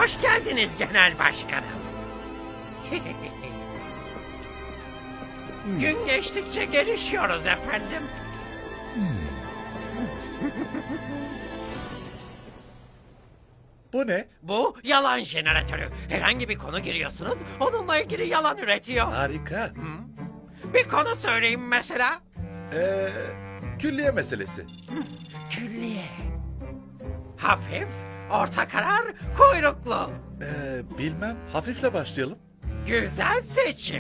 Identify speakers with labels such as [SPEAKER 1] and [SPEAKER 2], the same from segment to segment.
[SPEAKER 1] Hoş geldiniz genel başkanım. Gün geçtikçe gelişiyoruz efendim.
[SPEAKER 2] Bu ne?
[SPEAKER 1] Bu yalan jeneratörü. Herhangi bir konu giriyorsunuz, onunla ilgili yalan üretiyor.
[SPEAKER 2] Harika.
[SPEAKER 1] Bir konu söyleyeyim mesela.
[SPEAKER 2] Külliye meselesi.
[SPEAKER 1] Külliye. Hafif, orta karar, kuyruklu.
[SPEAKER 2] Bilmem. Hafifle başlayalım.
[SPEAKER 1] Güzel seçim.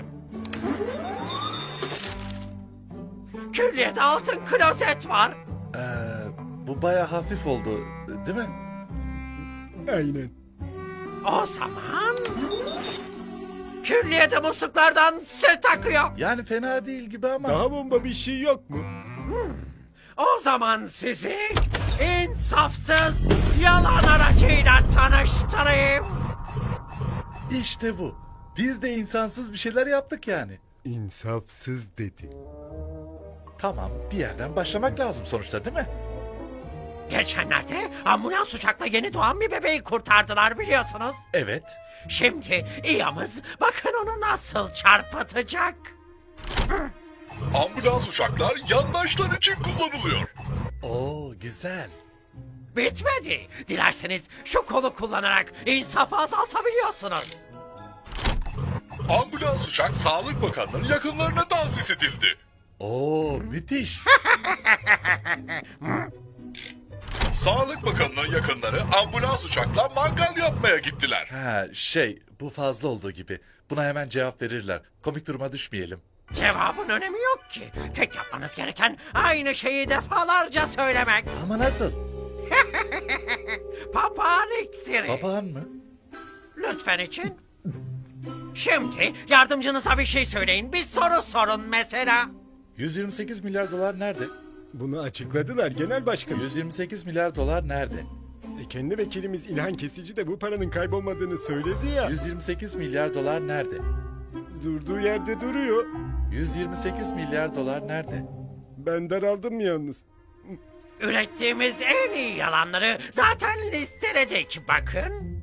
[SPEAKER 1] Külliyede altın klozet var.
[SPEAKER 2] Bu baya hafif oldu, değil mi?
[SPEAKER 3] Aynen.
[SPEAKER 1] O zaman... Külliyede musluklardan süt akıyor.
[SPEAKER 2] Yani fena değil gibi ama.
[SPEAKER 3] Daha bomba bir şey yok mu?
[SPEAKER 1] O zaman sizi insafsız yalan aracıyla tanıştırayım.
[SPEAKER 2] İşte bu. Biz de insansız bir şeyler yaptık yani.
[SPEAKER 3] İnsafsız dedi.
[SPEAKER 2] Tamam, bir yerden başlamak lazım sonuçta, değil mi?
[SPEAKER 1] Geçenlerde ambulans uçakla yeni doğan bir bebeği kurtardılar biliyorsunuz.
[SPEAKER 2] Evet.
[SPEAKER 1] Şimdi İyamız bakın onu nasıl çarpıtacak.
[SPEAKER 4] Ambulans uçaklar yandaşlar için kullanılıyor.
[SPEAKER 2] Oo, güzel.
[SPEAKER 1] Bitmedi. Dilerseniz şu kolu kullanarak insafı azaltabiliyorsunuz.
[SPEAKER 4] Ambulans uçak Sağlık Bakanlığı'nın yakınlarına tahsis edildi.
[SPEAKER 2] Oo, müthiş.
[SPEAKER 4] Sağlık Bakanlığı'nın yakınları ambulans uçakla mangal yapmaya gittiler.
[SPEAKER 2] Bu fazla olduğu gibi. Buna hemen cevap verirler. Komik duruma düşmeyelim.
[SPEAKER 1] Cevabın önemi yok ki. Tek yapmanız gereken aynı şeyi defalarca söylemek.
[SPEAKER 2] Ama nasıl?
[SPEAKER 1] Papağan iksiri.
[SPEAKER 2] Papağan mı?
[SPEAKER 1] Lütfen için. Şimdi yardımcınıza bir şey söyleyin. Bir soru sorun mesela.
[SPEAKER 2] 128 milyar dolar nerede?
[SPEAKER 3] Bunu açıkladılar genel başkanım.
[SPEAKER 2] 128 milyar dolar nerede?
[SPEAKER 3] Kendi vekilimiz İlhan Kesici de bu paranın kaybolmadığını söyledi ya.
[SPEAKER 2] 128 milyar dolar nerede?
[SPEAKER 3] Durduğu yerde duruyor.
[SPEAKER 2] 128 milyar dolar nerede?
[SPEAKER 3] Ben daraldım yalnız.
[SPEAKER 1] Ürettiğimiz en iyi yalanları zaten listeledik bakın.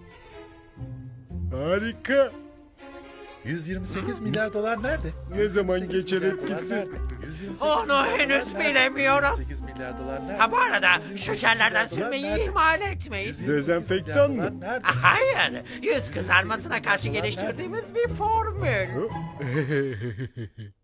[SPEAKER 3] Harika.
[SPEAKER 2] 128 milyar dolar nerede?
[SPEAKER 3] Ne zaman
[SPEAKER 2] 128
[SPEAKER 3] geçer
[SPEAKER 2] milyar dolar
[SPEAKER 3] etkisi?
[SPEAKER 2] nerede? 128
[SPEAKER 1] Onu
[SPEAKER 2] milyar
[SPEAKER 1] henüz
[SPEAKER 2] dolar nerede?
[SPEAKER 1] bilemiyoruz.
[SPEAKER 2] 128 milyar dolar nerede?
[SPEAKER 1] Ha bu arada
[SPEAKER 2] 128
[SPEAKER 1] şu jellerden
[SPEAKER 2] milyar dolar
[SPEAKER 1] sürmeyi
[SPEAKER 2] nerede?
[SPEAKER 1] ihmal etmeyin.
[SPEAKER 2] 128
[SPEAKER 3] Dezenfektan
[SPEAKER 2] milyar
[SPEAKER 3] mı?
[SPEAKER 2] dolar nerede?
[SPEAKER 1] Hayır, yüz kızarmasına karşı geliştirdiğimiz bir formül.
[SPEAKER 3] Hı?